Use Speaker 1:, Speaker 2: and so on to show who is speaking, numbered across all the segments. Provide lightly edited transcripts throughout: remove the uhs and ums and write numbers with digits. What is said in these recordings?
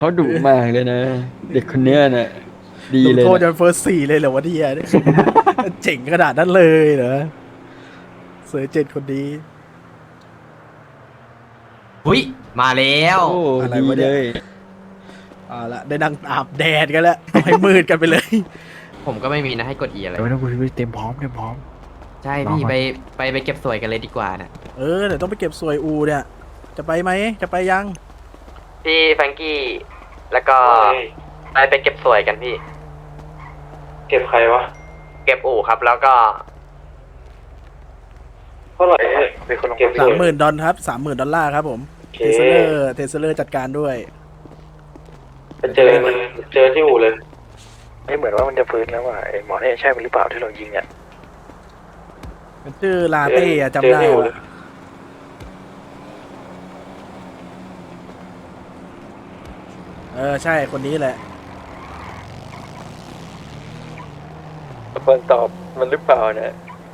Speaker 1: เขาดุมากเลยนะเด็กคนเนี้ยน่ะดี
Speaker 2: ลง
Speaker 1: เลยนะ
Speaker 2: โทษจนเฟิร์ส 4เลยเหรอวะเนี่ยเจ๋งขนาดนั้นเลยเหรอเซอร์เจนคนนี้
Speaker 3: หุยมาแล้ว
Speaker 1: โอ้
Speaker 2: อะไร
Speaker 1: ดี
Speaker 2: วะเนี่ย
Speaker 1: เลย
Speaker 2: เอาละได้นั่งอาบแดดกันแล้วต้องให้มืดกันไปเลย
Speaker 3: ผมก็ไม่มีนะให้กด E อะไร
Speaker 1: เดี๋ยวไม่ต้องคุยเต็มพร้อมเต็มพร้อม
Speaker 3: ใช่
Speaker 1: รอก่อน
Speaker 3: ไปเก็บสวยกันเลยดีกว่านะ
Speaker 2: เดี๋ยวต้องไปเก็บสวยอูเนี่ยจะไปไหมจะไปยัง
Speaker 3: พี่แฟรงกี้แล้วก็ไปเก็บสวยกันพี่
Speaker 4: เก็บใครวะ
Speaker 3: เก็บอู่ครับแล้วก็
Speaker 4: เท่าไหร่เป็นคนลงเก็บ
Speaker 2: $30,000ครับ$30,000ครับผมเทสเลอร์จัดการด้วย
Speaker 4: ไปเจอมันเจอที่อู่เลย
Speaker 5: ไม่เหมือนว่ามันจะฟื้นแล้วว่ะไอ้หมอนี่ใช่มันหรือเปล่าที่เรายิงอ่ะ
Speaker 2: มันชื่อลาเต้อะจำได้
Speaker 4: เจอที่อู่เล
Speaker 2: ว่ะ
Speaker 4: ย
Speaker 2: ใช่คนนี้แหละ
Speaker 1: คนตอบมันหรือเปล่านะ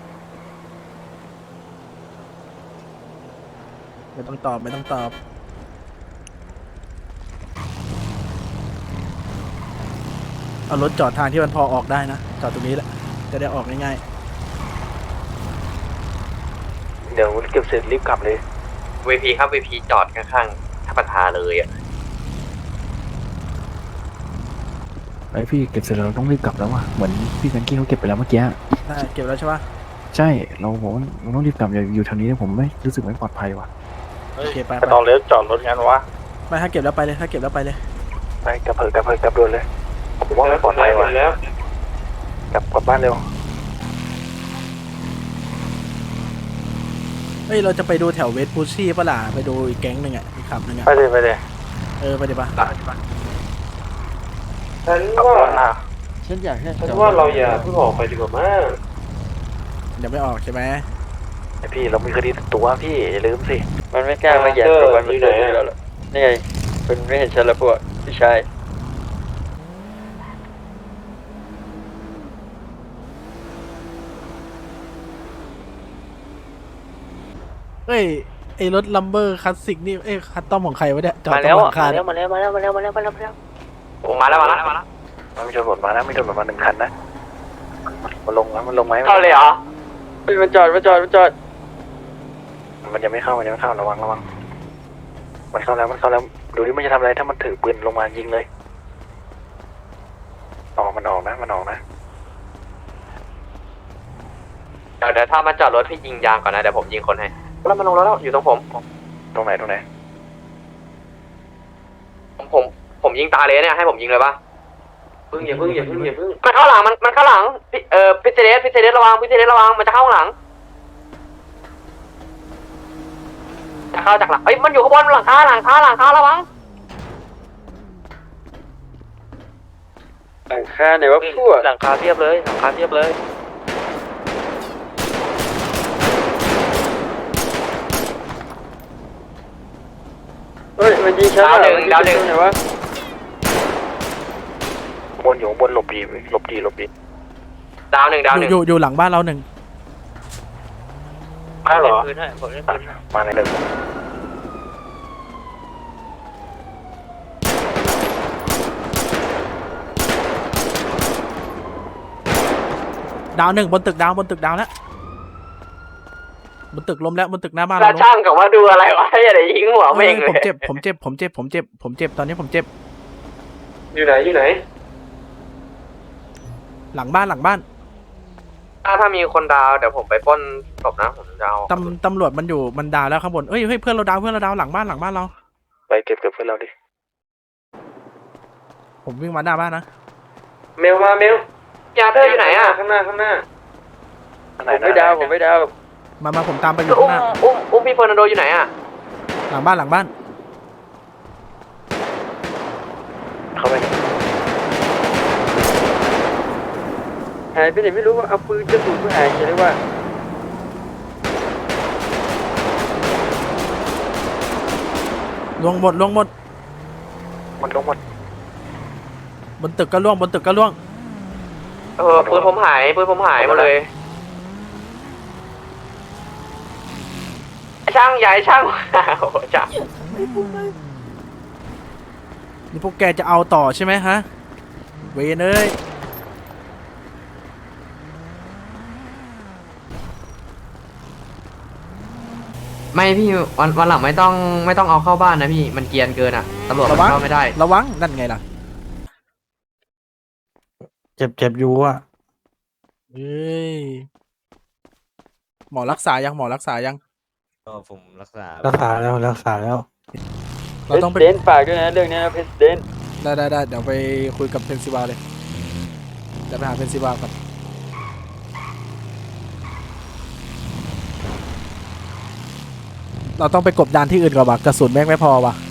Speaker 2: ไม่ต้องตอบไม่ต้องตอบเอารถจอดทางที่มันพอออกได้นะจอดตรงนี้แหละจะได้ออกง่าย
Speaker 5: เดี๋ยวเก็บเสร็จรีบกลับเลย
Speaker 3: VP ครับ VP จอดข้างๆท่าประทาเลยอ่ะ
Speaker 1: ไอพี่เก็บเสร็จแล้วเราต้องรีบกลับแล้วว่ะเหมือนพี่แฟรงกี้เขาเก็บไปแล้วเมื่อกี้
Speaker 2: ๆได้เก็บแล้วใช่ปะ
Speaker 1: ใช่เราบอกว่าเราต้องรีบกลับอย่าอยู่ทางนี้ผมไม่รู้สึกไม่ปลอดภัยว่ะ
Speaker 2: โอเคไป
Speaker 5: ตอนเลี้ยวจอดรถงั้นวะ
Speaker 2: ไม่ถ้าเก็บแล้วไปเลยถ้าเก็บแล้วไปเลย
Speaker 5: ไปกลับเถอะกลับเถอะกลับด่วนเลยผมว่าไม่ปลอดภัยว่ะ
Speaker 4: แล้ว
Speaker 5: กลับบ้านเร็ว
Speaker 2: เฮ้ยเราจะไปดูแถวเวสพูชี่ปะล่ะไปดูอีกแก๊งหนึ่งอ่ะอีกขับหนึ่งอ่ะ
Speaker 5: ไปเลยไปเลย
Speaker 2: ไปดิปะ
Speaker 4: ฉัน
Speaker 5: ขับ
Speaker 4: ว่าร
Speaker 5: ถหน้า
Speaker 1: ฉันอยากให้
Speaker 4: ฉันว่าเราอย่าเพิ่งออกไปดีกว่ามั้ง
Speaker 2: เดี๋ยวไม่ออกใช่ไหม
Speaker 5: ไอพี่เรามีคดีติดตัวพี่อย่าลืมสิ
Speaker 1: มันไม่กล้ามาแย่งกับมันอยู่ไหนแล้วนี่ไงเป็นไม่เห็นฉันแล้วพวกพี่ชาย
Speaker 2: เฮ้ยไอรถลัมเบอร์คลาสสิกนี่คัสตอมของใครวะเนี่ยจอด
Speaker 5: มา
Speaker 2: ตร
Speaker 5: แล้ว
Speaker 2: งหลั
Speaker 5: อ่ะ
Speaker 2: งคา
Speaker 5: มาแล้วมาแล้วมาแล้วมาแล้วมาแล้วมาแล้ว
Speaker 3: ผมมาแล้ว
Speaker 5: มันมีตำรวจมานะมีตำรวจมา1 คันนะมันลงแล้วมันลงไหม
Speaker 3: เข้าเลยเหรอ
Speaker 1: เฮ้ยมันจอด
Speaker 5: มันยังไม่เข้ามันยังไม่เข้าระวังมันเข้าแล้วดูดิมันจะทำอะไรถ้ามันถือปืนลงมายิงเลยมันออกนะ
Speaker 3: เดี๋ยวถ้ามันจอดรถพี่ยิงยางก่อนนะเดี๋ยวผมยิงคนให้แล้วมันลงแล้วอยู่ตรงผม
Speaker 5: ตรงไหน
Speaker 3: ผมยิงตาเลยเนี่ยให้ผมยิงเลยปะ
Speaker 4: อย่าเพิ่ง
Speaker 3: มันเข้าหลังมันเข้าหลังพิเศษระวังมันจะเข้าหลังจะเข้าจากหลังเอ้ยมันอยู่ข้างบนหลังคาระวัง
Speaker 1: หลังคาไหนวะพวก
Speaker 5: หลังคาเทียบเลย
Speaker 1: เฮ้ยมันยิงฉัน
Speaker 3: ดาวหนึ่ง
Speaker 1: ไหนวะ
Speaker 5: บนอยู่บนหลบดี
Speaker 3: ดาวหนึ่ง
Speaker 2: อยู่หลังบ้านเราหนึ่ง
Speaker 5: อ้าวเหรอมาในหนึ่ง
Speaker 2: ดาวหนึ่งบนตึกดาวแล้วบนตึกล้มแล้วบนตึกหน้าบ้าน
Speaker 3: แล้
Speaker 2: เรา
Speaker 3: ว
Speaker 2: ล้ม
Speaker 3: ช่างกับว่าดูอะไรวะอย่าได้ยิงหัวเม่งเลย
Speaker 2: ผมเจ็บตอนนี้ผมเจ็บ
Speaker 4: อยู่ไหน
Speaker 2: หลังบ้าน
Speaker 3: ถ้ามีคนดาวเดี๋ยวผมไปปล้นศพนะผมจะเอา
Speaker 2: ตำรวจมันดาวแล้วข้างบนเฮ้ยเพื่อนเราดาวหลังบ้านเรา
Speaker 5: ไปเก็บเพื่อนเราดิ
Speaker 2: ผมวิ่งมาหน้าบ้านนะ
Speaker 4: เมลมาเมล
Speaker 3: ยาเธออยู่ไหนอ่ะ
Speaker 4: ข้างหน้า
Speaker 5: ข้างไหน
Speaker 1: ผมไม่ดาว
Speaker 2: มาผมตามไปอยู่ข้างหน้า
Speaker 3: อุ้มพี่เฟอร์นันโดอยู่ไหนอ่ะ
Speaker 2: หลังบ้าน
Speaker 5: เข้าไป
Speaker 1: หายไปไหนไม่รู้ว่าเอาปืนกระสุนมาหายเลยว่า
Speaker 2: ลวงหมด
Speaker 5: มันลงหมด
Speaker 2: บนตึกก็ล่วง
Speaker 3: ปืนผมหายหมดเลยไอ้ช่างใหญ่ช่างโอ้โหจ้า
Speaker 2: นี่พวกแกจะเอาต่อใช่ไหมฮะ เวนเอ้ย
Speaker 3: ไม่พี่วันหลังไม่ต้องเอาเข้าบ้านนะพี่มันเกรียนเกินอ่ะตำรวจมัน
Speaker 2: ระวัง
Speaker 3: เข้าไม่ได้
Speaker 2: ระวัง นั่นไงล่ะ
Speaker 5: เจ็บอยู่อ่ะ
Speaker 2: เฮ้ย หมอรักษายัง หมอรักษายัง
Speaker 6: ก็ผมรักษา
Speaker 5: รักษาแล้วรักษาแล้ว
Speaker 2: เราต้องไป
Speaker 4: เดนฝากด้วยนะเรื่องนี้นะเพสเดน
Speaker 2: ได้เดี๋ยวไปคุยกับเพนซิวาเลย เดี๋ยวไปหาเพนซิวาก่อน เราต้องไปกบดานที่อื่นก่อนว่ะกระสุนแม่งไม่พอว่ะ